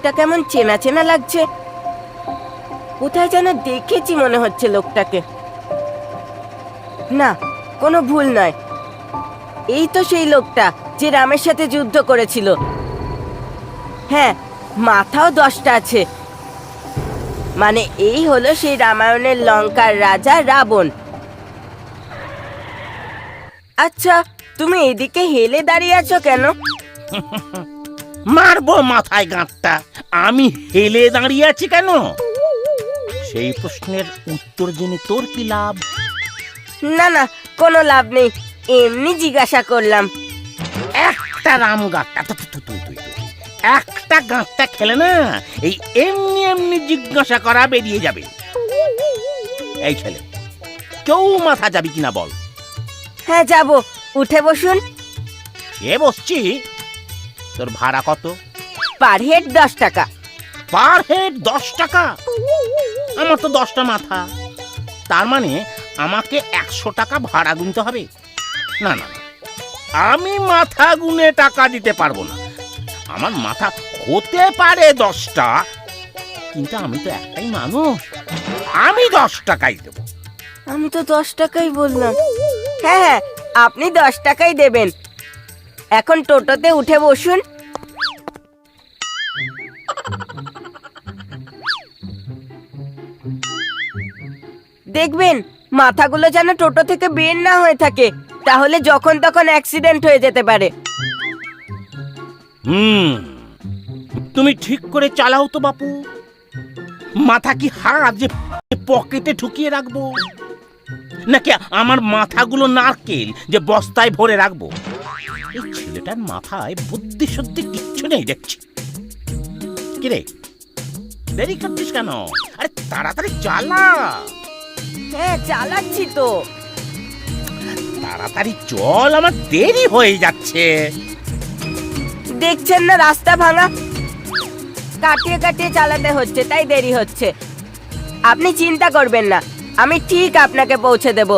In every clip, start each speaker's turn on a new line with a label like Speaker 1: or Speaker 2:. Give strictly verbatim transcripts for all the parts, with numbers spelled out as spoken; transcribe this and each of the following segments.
Speaker 1: লোকটা কেমন চেনা চেনা লাগছে। কোথায় যেন দেখেছি মনে হচ্ছে লোকটাকে। না, কোনো ভুল নয়, এই তো সেই লোকটা যে রামের সাথে যুদ্ধ করেছিল। হ্যাঁ, মাথাও দশটা আছে, মানে এই হলো সেই রামায়ণের লঙ্কার রাজা রাবণ। আচ্ছা, তুমি এদিকে হেলে দাঁড়িয়ে আছো কেন?
Speaker 2: মারবো মাথায় গাঁটটা। আমি হেলে দাঁড়িয়ে আছি কেন? সেই প্রশ্নের উত্তর জেনে তোর কি লাভ?
Speaker 1: না না, কোনো লাভ নেই, এমনি জিজ্ঞাসা করলাম।
Speaker 2: একটা রাম গাঁটটা একটা গাঁটটা খেলে না এই এমনি এমনি জিজ্ঞাসা করা বেরিয়ে যাবে। এই ছেলে, কেউ মাথা যাবি কিনা বল?
Speaker 1: হ্যাঁ যাব, উঠে বসুন।
Speaker 2: এ বসছি। তোর ভাড়া কত?
Speaker 1: পার হেড দশ টাকা।
Speaker 2: পার হেড দশ টাকা? আমার তো দশটা মাথা, তার মানে আমাকে একশো টাকা ভাড়া গুনতে হবে। না না, আমি মাথা গুনে টাকা দিতে পারবো না। আমার মাথা হতে পারে দশটা, কিন্তু আমি তো একটাই মানুষ, আমি দশ টাকাই দেবো।
Speaker 1: আমি তো দশ টাকাই বললাম। হ্যাঁ হ্যাঁ, আপনি দশ টাকাই দেবেন। এখন টোটোতে উঠে বসুন। দেখবেন মাথাগুলো যেন টোটো থেকে বের না হয়ে থাকে, তাহলে যখন তখন অ্যাক্সিডেন্ট হয়ে যেতে পারে।
Speaker 2: হুম, তুমি ঠিক করে চালাও তো বাপু। মাথা কি হাত যে পকেটে ঢুকিয়ে রাখবো, নাকি আমার মাথাগুলো নারকেল যে বস্তায় ভরে রাখবো? এই ছেলেটার মাথায় বুদ্ধি সত্যি কিচ্ছু নেই দেখছি। কিরে, দেরি করছিস কেন? আরে তাড়াতাড়ি চালা।
Speaker 1: হ্যাঁ চালাচ্ছি তো।
Speaker 2: তাড়াতাড়ি চল, আমার দেরি হয়ে যাচ্ছে।
Speaker 1: দেখছেন না রাস্তা ভাঙা, কাটিয়ে কাটিয়ে চালাতে হচ্ছে, তাই দেরি হচ্ছে। আপনি চিন্তা করবেন না, আমি ঠিক আপনাকে পৌঁছে দেব।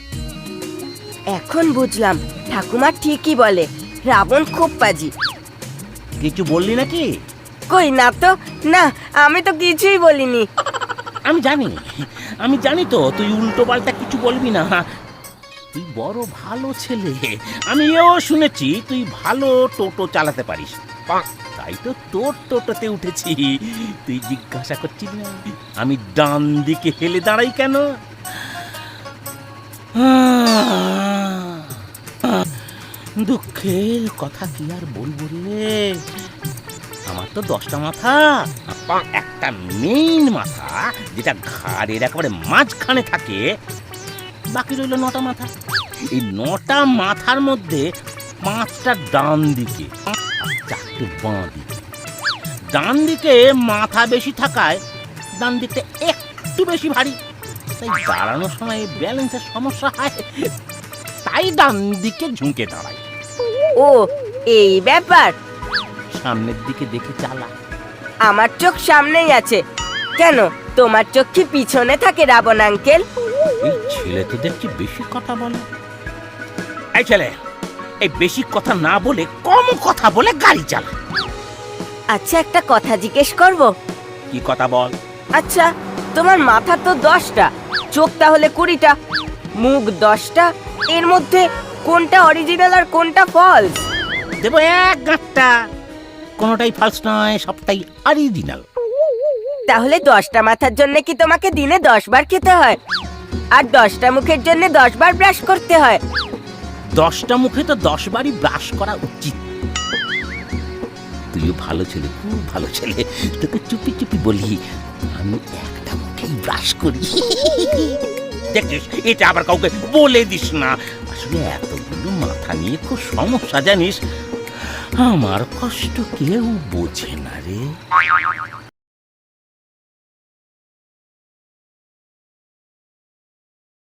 Speaker 1: এখন বুঝলাম ঠাকুমা ঠিকই বলে, রাবণ খুব পাজি।
Speaker 2: কিছু বললি নাকি?
Speaker 1: কই না তো, না আমি তো কিছুই বলিনি।
Speaker 2: আমি জানি, আমি জানি তো তুই উল্টো পাল্টা কিছু বলবি না। তুই বড় ভালো ছেলে, আমি এও শুনেছি তুই ভালো টোটো চালাতে পারিস। তাই তো তোর টোটোতে উঠেছি। তুই জিজ্ঞাসা করছিস না আমি ডান দিকে হেলে দাঁড়াই কেন? দুঃখের কথা কি আর বলবো রে, আমার তো দশটা মাথা, একটা মেইন মাথা যেটা ঘাড়ের একেবারে মাঝখানে থাকে, বাকি রইল নটা মাথা। এই নটা মাথার মধ্যে পাঁচটা ডান দিকে, চারটে বাঁ দিকে। ডান দিকে মাথা বেশি থাকায় ডান দিকটা একটু বেশি ভারী, তাই দাঁড়ানোর সময় ব্যালেন্সের সমস্যা হয়, তাই ডান দিকে ঝুঁকে দাঁড়ায়।
Speaker 1: ও এই ব্যাপার।
Speaker 2: সামনের দিকে দেখে চালা।
Speaker 1: আমার চোখ সামনেই আছে, কেন তোমার চোখ কি পিছনে থাকে রাবণ আঙ্কেল?
Speaker 2: এই ছেলে তো দেখছি বেশি কথা বলে। এই ছেলে, এই বেশি কথা না বলে কম কথা বলে গাড়ি চালা।
Speaker 1: আচ্ছা একটা কথা জিজ্ঞেস করব?
Speaker 2: কি কথা বল?
Speaker 1: আচ্ছা তোমার মাথা তো দশটা, চোখ তাহলে কুড়িটা, মুখ দশটা, এর মধ্যে কোনটা অরিজিনাল আর কোনটা ফলস?
Speaker 2: দেব এক গাঁটটা, কোনোটাই ফলস নয়, সবটাই অরিজিনাল।
Speaker 1: তাহলে দশটা মাথার জন্য কি তোমাকে দিনে দশ বার খেতে হয়, আর দশটা মুখের জন্য দশ বার ব্রাশ করতে হয়?
Speaker 2: দশটা মুখে তো দশ বারই ব্রাশ করা উচিত। তুইও ভালো ছেলে, খুব ভালো ছেলে, তোকে চুপি চুপি বলি আমি একটা মুখেই ব্রাশ করি। দেখিস, এটা আবার কাউকে বলে দিস না। আসলে এতগুলো মাথা নিয়ে খুব সমস্যা জানিস, আমার কষ্ট কেউ বোঝে না রে।